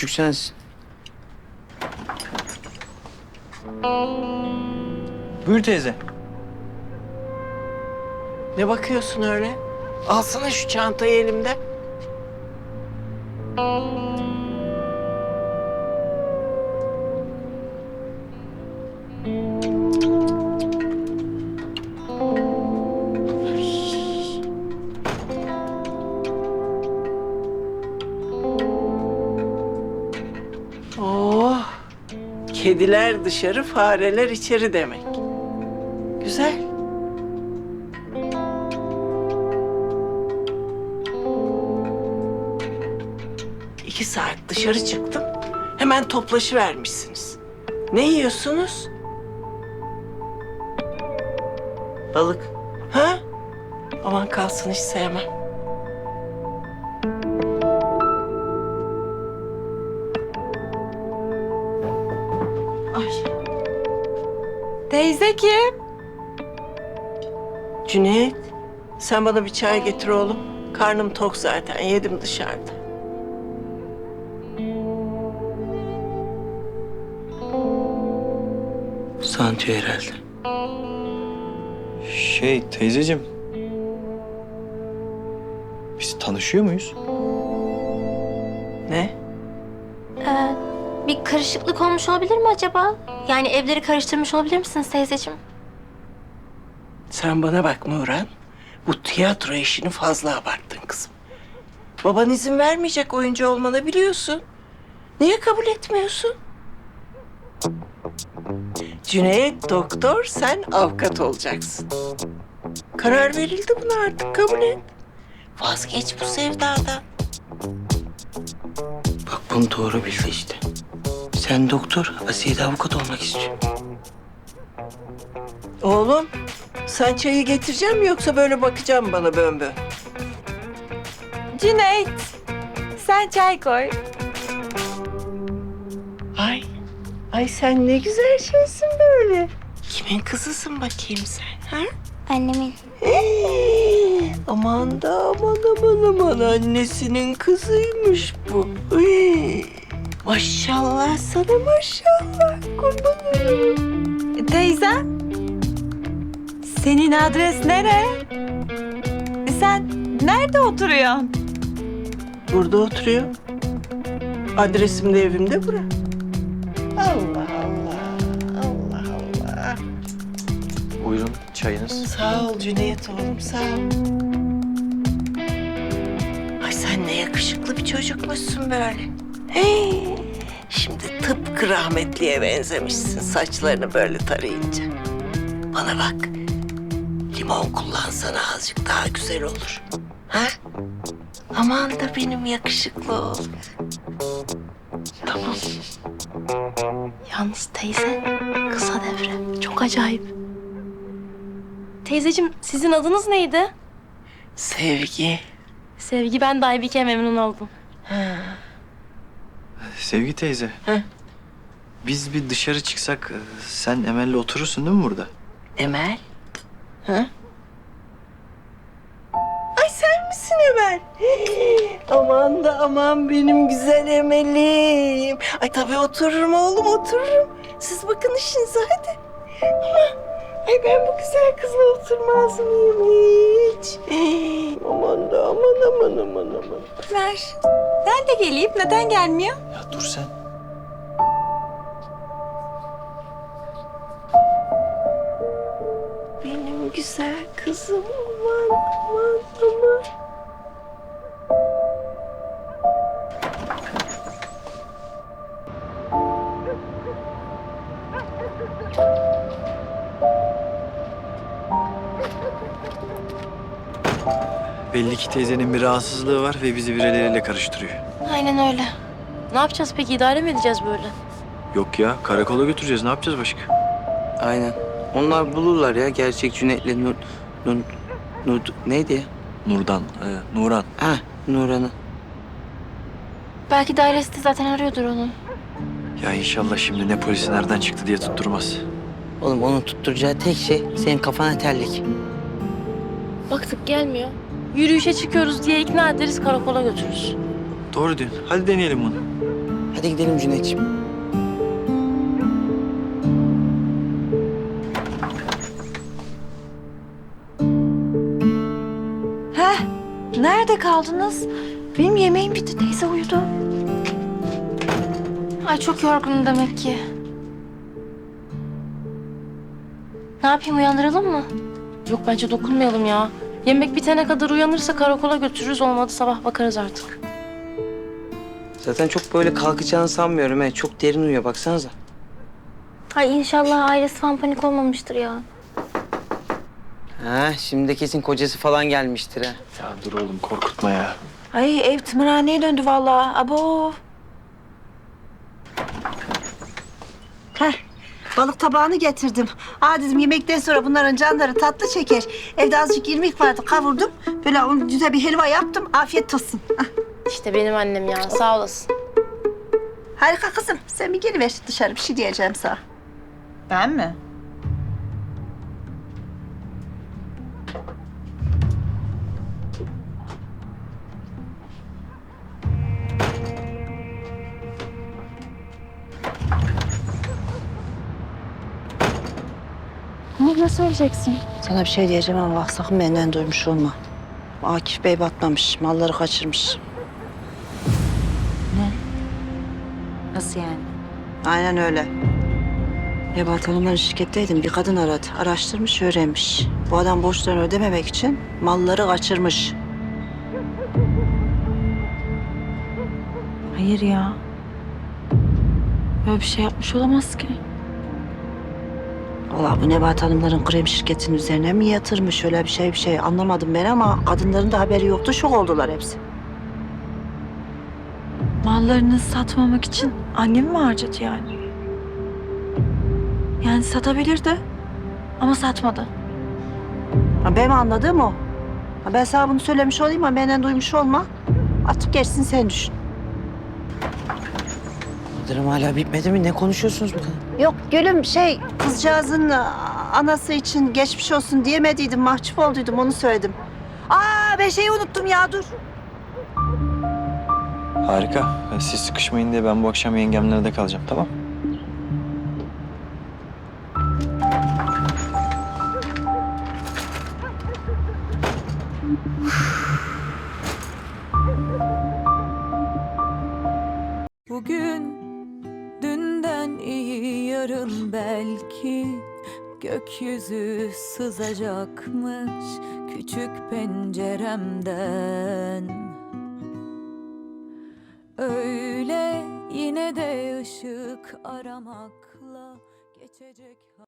küçük sensin. Buyur teyze. Ne bakıyorsun öyle? Alsana şu çantayı elimden. Oh, kediler dışarı, fareler içeri demek. Güzel. İki saat dışarı çıktım. Hemen toplaşıvermişsiniz. Ne yiyorsunuz? Balık. Ha? Aman kalsın, hiç sevmem. Ay, Teyze kim? Cüneyt, sen bana bir çay getir oğlum. Karnım tok zaten, yedim dışarıda. Santiyo herhalde. Teyzeciğim. Biz tanışıyor muyuz? Ne? Bir karışıklık olmuş olabilir mi acaba? Yani evleri karıştırmış olabilir misiniz teyzeciğim? Sen bana bak Nurhan. Bu tiyatro işini fazla abarttın kızım. Baban izin vermeyecek oyuncu olmana, biliyorsun. Niye kabul etmiyorsun? Cüneyt doktor, sen avukat olacaksın. Karar verildi buna, artık kabul et. Vazgeç bu sevdadan. Bak bunu doğru bildi işte. Sen doktor, Asiye de avukat olmak istiyor. Oğlum, sen çayı getireceğim mi yoksa böyle bakacağım bana bön bön? Cüneyt. Sen çay koy. Ay sen ne güzel şeysin böyle. Kimin kızısın bakayım sen, ha? Annemin. Aman da aman annesinin kızıymış bu. Maşallah sana, maşallah, kurban olayım. Teyze. Senin adres nere? Sen nerede oturuyorsun? Burada oturuyor. Adresim de evimde bura. Allah Allah, Allah Allah. Buyurun çayınız. Sağ ol Cüneyt oğlum, sağ ol. Ay sen ne yakışıklı bir çocukmuşsun böyle. Hey, şimdi tıpkı rahmetliye benzemişsin saçlarını böyle tarayınca. Bana bak, limon kullansana, azıcık daha güzel olur. Ha? Aman da benim yakışıklı oğlum. Tamam. Yalnız teyze kısa devre. Çok acayip. Teyzeciğim sizin adınız neydi? Sevgi. Sevgi, ben de Aybike, memnun oldum. Sevgi teyze. Heh. Biz bir dışarı çıksak sen Emel'le oturursun değil mi burada? Emel? Ha? Ay sen misin Emel? Aman da aman benim güzel Emel'im. Ay tabii otururum oğlum, otururum. Siz bakın işinize hadi. Ama ay ben bu güzel kızla oturmaz mıyım hiç? Aman da aman. Ver. Ben de geleyim. Neden gelmiyor? Ya dur sen. Benim güzel kızım, aman. Belli ki teyzenin bir rahatsızlığı var ve bizi birileriyle karıştırıyor. Aynen öyle. Ne yapacağız peki? İdare mi edeceğiz böyle? Yok ya, karakola götüreceğiz. Ne yapacağız başka? Aynen. Onlar bulurlar ya gerçek Cüneyt'le neydi ya? Nuran. Ha, Nuran'ı. Belki dairesi de zaten arıyordur onu. Ya inşallah şimdi ne polisi nereden çıktı diye tutturmaz. Oğlum onun tutturacağı tek şey senin kafana terlik. Baktık gelmiyor. Yürüyüşe çıkıyoruz diye ikna ederiz, karakola götürürüz. Doğru diyorsun. Hadi deneyelim bunu. Hadi gidelim Cüneyt'ciğim. Heh, nerede kaldınız? Benim yemeğim bitti, teyze uyudu. Ay çok yorgunum demek ki. Ne yapayım, uyandıralım mı? Yok bence dokunmayalım ya. Yemek bitene kadar uyanırsa karakola götürürüz. Olmadı sabah bakarız artık. Zaten çok böyle kalkacağını sanmıyorum he. Çok derin uyuyor baksanıza. Ay inşallah ailesi falan panik olmamıştır ya. Ha, şimdi de kesin kocası falan gelmiştir ha. Ya dur oğlum korkutma ya. Ay ev tımarhaneye döndü vallahi. Abo. Heh, balık tabağını getirdim. Aa dedim yemekten sonra bunların canları tatlı çeker. Evde azıcık irmik vardı kavurdum. Böyle onu güzel bir helva yaptım. Afiyet olsun. Ah, İşte benim annem ya, sağ olasın. harika kızım. Sen bir geliver dışarı bir şey diyeceğim sana. Ben mi? Ne söyleyeceksin? Sana bir şey diyeceğim ama bak sakın benden duymuş olma. Akif Bey batmamış. Malları kaçırmış. Nasıl yani? Aynen öyle. Nebahat Hanım'ların şirketteydim. Bir kadın aradı. Araştırmış, öğrenmiş. Bu adam borçlarını ödememek için malları kaçırmış. Hayır ya. Böyle bir şey yapmış olamaz ki. Vallahi bu Nebahat Hanımların krem şirketinin üzerine mi yatırmış öyle bir şey anlamadım ben ama kadınların da haberi yoktu. Şok oldular hepsi. Mallarını satmamak için annemi mi harcadı yani? Yani satabilirdi ama satmadı. Ha, benim anladığım o. Ha, ben sana bunu söylemiş olayım ama benden duymuş olma. Artık gerisini sen düşün. Yıldırım hala bitmedi mi? Ne konuşuyorsunuz bu kadar? Yok gülüm kızcağızın anası için geçmiş olsun diyemediydim. Mahcup olduydum onu söyledim. Aa ben şeyi unuttum ya dur. Harika. Siz sıkışmayın diye ben bu akşam yengemlerde kalacağım, tamam? Bugün dünden iyi yarın belki gökyüzü sızacakmış küçük penceremden. Öyle yine de ışık aramakla geçecek.